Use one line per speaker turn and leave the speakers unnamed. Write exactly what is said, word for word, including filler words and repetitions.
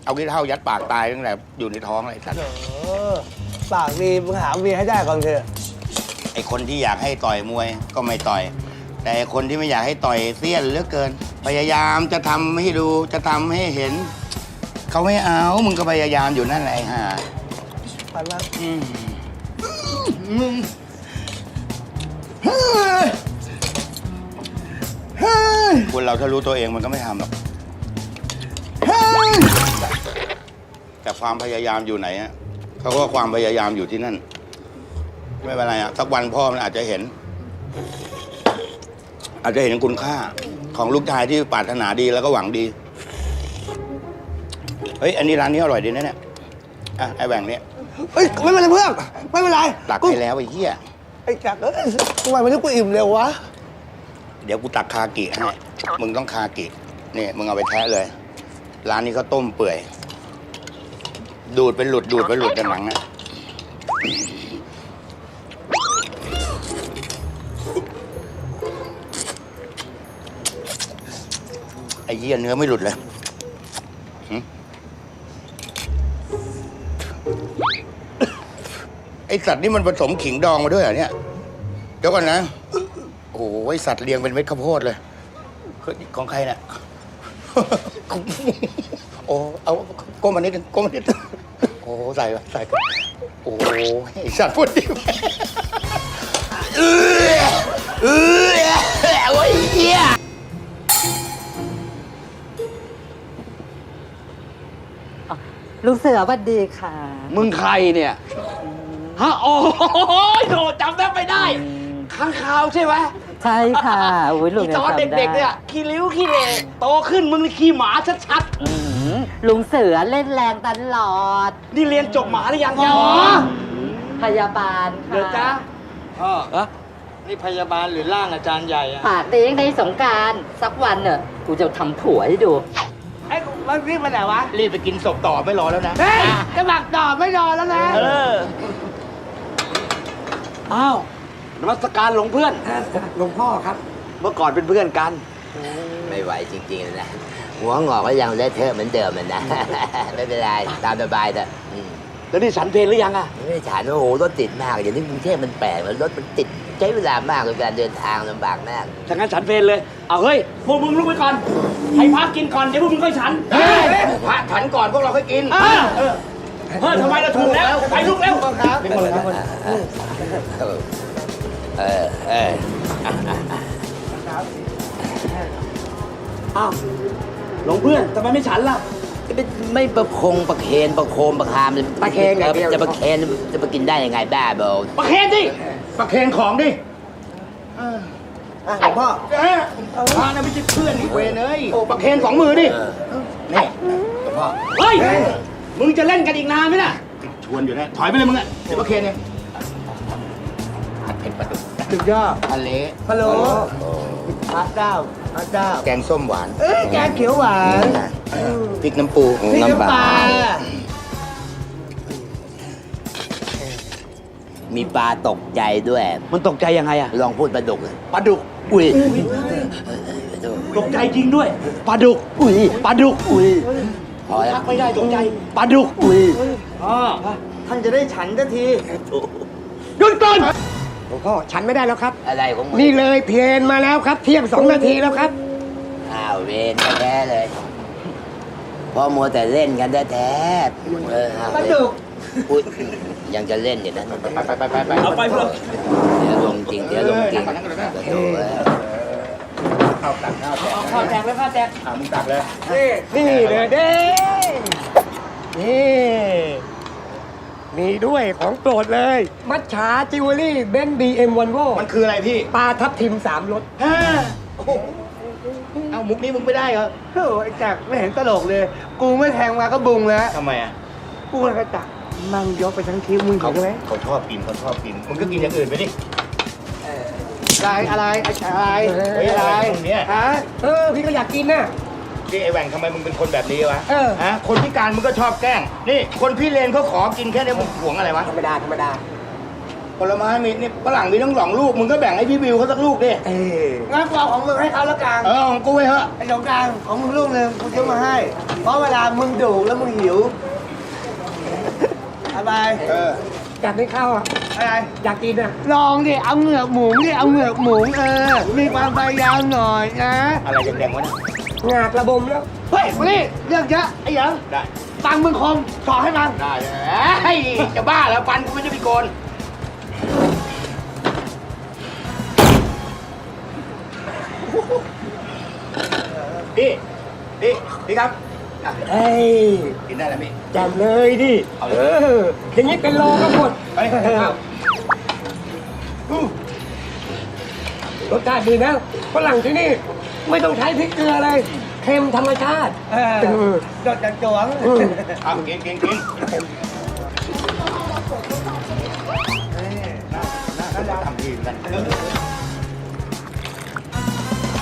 เอาขี้เถ้ายัดปากตายตั้งแต่อยู่ในท้องเลยสัตว์
ปากดีมึงหาเมียให้ได้ก่อนเถอะ
ไอคนที่อยากให้ต่อยมวยก็ไม่ต่อย แต่คนที่ไม่อยากให้ต่อยเสี้ยนเหลือเกิน พยายามจะทำให้ดูจะทำให้เห็นเขาไม่เอามึงก็พยายามอยู่นั่นแหละไอ้ห่า
ปันมา
อืมมึงคนเราถ้ารู้ตัวเองมันก็ไม่ทำหรอกแต่ความพยายามอยู่ไหนฮะเขาก็ความพยายามอยู่ที่นั่น ไม่เป็นไรอ่ะสักวันพ่อมันอาจจะเห็น อาจจะเห็นคุณค่าของลูกชายที่ปรารถนาดีแล้วก็หวังดีเฮ้ยอันนี้ร้านนี้อร่อยดีนะเนี่ยอ่ะไอ้แหว่งเนี่ย
เฮ้ยไม่เป็นไรเพื่อนไม่เป็นไร
ตัก
กู
ให้แล้วไอ้เหี้ย
ไอ้จักรเอ้ยทำไมวันนี้กูอิ่มเร็ววะ
เดี๋ยวกูตักคากิให้มึงต้องคากินี่มึงเอาไปแทะเลย ร้านนี้เขาต้มเปื่อย ดูดเป็นหลุดดูดเป็นหลุดกันหนังอะไอ้เหี้ยเนื้อไม่หลุดเลยหึไอสัตว์นี่มันผสมขิงดองมาด้วยเหรอเนี่ย เดี๋ยวก่อนนะ โอ้โหไอสัตว์เรียงเป็นเม็ดข้าวโพดเลยเฮ้ยของใครเนี่ย โอ้ เอาก้มมานิดนึงก้มมานิดนึงโอ้ใส่ไปใส่ไปโอ้ไอสัตว์พูดดิเออเออโอ้ยเหี้ย
ลุงเสือสวัสดีค่ะ
มึงใครเนี่ย ฮะ โอ้ยโดจำได้ไม่ได้ ข้างข่าวใช่ไหม
ใช่ค่ะโอ้ยลุง
ที่
ยัง
ตอน
จำได้
เด็กๆเนี่ย ขี้ริ้วขี้เหร่โตขึ้นมึงนี่ขี้หมาชัด
อืมลุงเสือเล่นแรงตลอด
ๆ นี่เรียนจบหมาหรือยังหมอ
พยาบาลค่ะ
เดี๋ยวจ้า
พ่อ
ฮะ
นี่พยาบาลหรือร่างอาจารย์ใหญ่อะ
ปากดีในสงกรารสักวันเนอะกูจะทำผัวให้ดู
ไอ้มันรีบมาไหนวะ
รีบไปกินศพต่อไม่รอแล้วนะ
เฮ้ยจะหมักต่อไม่รอแล้วนะ
เออ อ้าว นมัสการหลวงเพื่อน
หลวงพ่อครับ
เมื่อก่อนเป็นเพื่อนกัน
ไม่ไหวจริงๆเลยนะ หัวงอกก็ยังเละเทอะเหมือนเดิมมันนะ ไม่เป็นไร ตามสบายเถอะอืม
แล้วนี่ฉันเพลหรือยังอะ
ไม่ได้ถามว่าโอ้โหรถติดมากอย่างนี้กรุงเทพมันแปลกมันรถมันติดใช้เวลามากในการเดินทางลำบากมาก
ถ้างั้นฉันเพลเลย เอาเฮ้ย พวกมึงลุกไปก่อน ให้พักกินก่อน เดี๋ยวพวกมึงค่อยฉัน
เฮ้ยพระฉันก่อนพวกเราค่อยกิน
เออเออเฮ้ยทำไมเราถูกแล้ว ไปลุกเร็ว
ครับ
เออ เออเออ
อ้าวหลวงเพื่อนทำไมไม่ฉันล่ะ
ไม่ไม่ประคงประเคนประโคมประคาม
ประเคนอย่างเดียว
จะประเคนจะมากินได้ยังไงบ้าบอ
ประเคนดิ
ประเคนของดิ
อ่ะหลวงพ่อ
เอ้ยพระน่ะไม่ใช่เพื่อนอีกเวรเลยประเคนสองมือดิ นี่หลวงพ่อ
เฮ้ย มึงจะเล่นกันอีกนานไหมน่ะ
ชวนอยู่นะ ถอยไปเลยมึงอ่ะ เดี๋ยวประเคนเองผัดเผ็ดปลาดุก
สุดยอด
ทะเล
ฮัลโหลพระเจ้าพระเจ้า
แกงส้มหวาน
เอ้ยแกงเขียวหวาน
พริกน้ำปู
พี่น้ำปลา
มีปลาตกใจด้วย
มันตกใจยังไงอะ
ลองพูดปลาดุกเลย
ปลาดุก
อุ้ย
ตกใจจริงด้วย ปลาดุก
อุ้ย
ปลาดุก
อุ้ยพอแล้
ทั
ว
กไม่ได้ตกใจ ปลาดุก
อุ้ย
อ๋อ
ท่านจะได้ฉันสักที
หยุดก่อน
หลวงพ่อฉันไม่ได้แล้วครับ
อะไรของมึง
นี่เลยเพลนมาแล้วครับ เที่ยงสองนาทีแล้วครับ
อ้าวเวรแท้ๆเลยพอมัวแต่เล่นกันแท้ๆเอออ้าว
ปลาดุก
อุ้ยยังจะเล่นอยู่นะ
ไปไปไปไปไป
เอาไปเพื่อน
เดี๋ยวลงจริงเดี๋ยวลงจริงโถ่เอ้ย
เอาตักข้าวแจก
เอาข้าวแจกเลยข้าวแจก
อ่ามึงตักเลย
นี่นี่เลยเด้นี่มีด้วยของโปรดเลย มัทฉาจิวเวลรี่เบนซ์บีเอ็มวันโว
มันคืออะไรพี่
ปลาทับทิมสามรส
ฮ่าโอ้โหเอามุกนี้มึงไม่ได้เหรอ
โอ้ไอ้จักรไม่เห็นตลกเลย กูไม่แทงมาก็บุงแล้ว
ทำไมอ่ะ
กูเลยกระจักรมั่งยกไปทั้งทีมึง
เขา
เห็นไหม
เขาชอบกินเขาชอบกิน มึงก็กินอย่างอื่นไปดิ
อะไรอะไรอะไร
เฮ้ยอะไรตรงเนี้ย
ฮะเออพี่ก็อยากกินน่ะ
นี่ไอ้แหว่งทำไมมึงเป็นคนแบบนี้วะ
เออ
ฮะ คนพิการมึงก็ชอบแกล้ง นี่คนพี่เลนเขาขอกินแค่นี้มึงหวงอะไรวะ
ธรรมดาธรรมดา
ผลไม้มีนี่ฝรั่งมีทั้งสองลูกมึงก็แบ่งให้พี่วิวเขาสักลูกดิ
เออ
งั้นกูเอาของมึงให้เขาแล้วกัน
เออของกูไว้เถอะ
ไอ้สงกรารของมึงลูกหนึ่งกูซื้อมาให้ เพราะเวลามึงดุแล้วมึงหิวอะไร
เออ
อยากได้ข้าวอ่ะ
อะไร
อยากกินอ่ะ
ลองดิ เอาเหงือกหมูดิ เอาเหงือกหมูเออ มีความพยายามหน่อยนะ
อะไรแดงๆวะเนี่ย
งากระบมแล้ว
เฮ้ยมานี่เรื่องเยอะไอ้หยัง
ได้
ตังค์มึงคมสอให้มัน
ได้เลยเฮ้ยจะบ้าแล้วฟันกูไม่ใช่พิโกนพี่พี่พี่ครับอ่ะ
เฮ้ย
กินได้แล้วพี่
จำเลยดิ
เอาเลย
เอออย่างนี้เป็นโลก็หมด
เฮ้ยเอาอู้
รสชาติดีนะฝรั่งที่นี่ ไม่ต้องใช้พริกเกลือเลยเค็มธรรมชาติ
เออ
เออ
โดดจังจวง
อืม
เอากินกินกินน่าน่าจะทำทีมกัน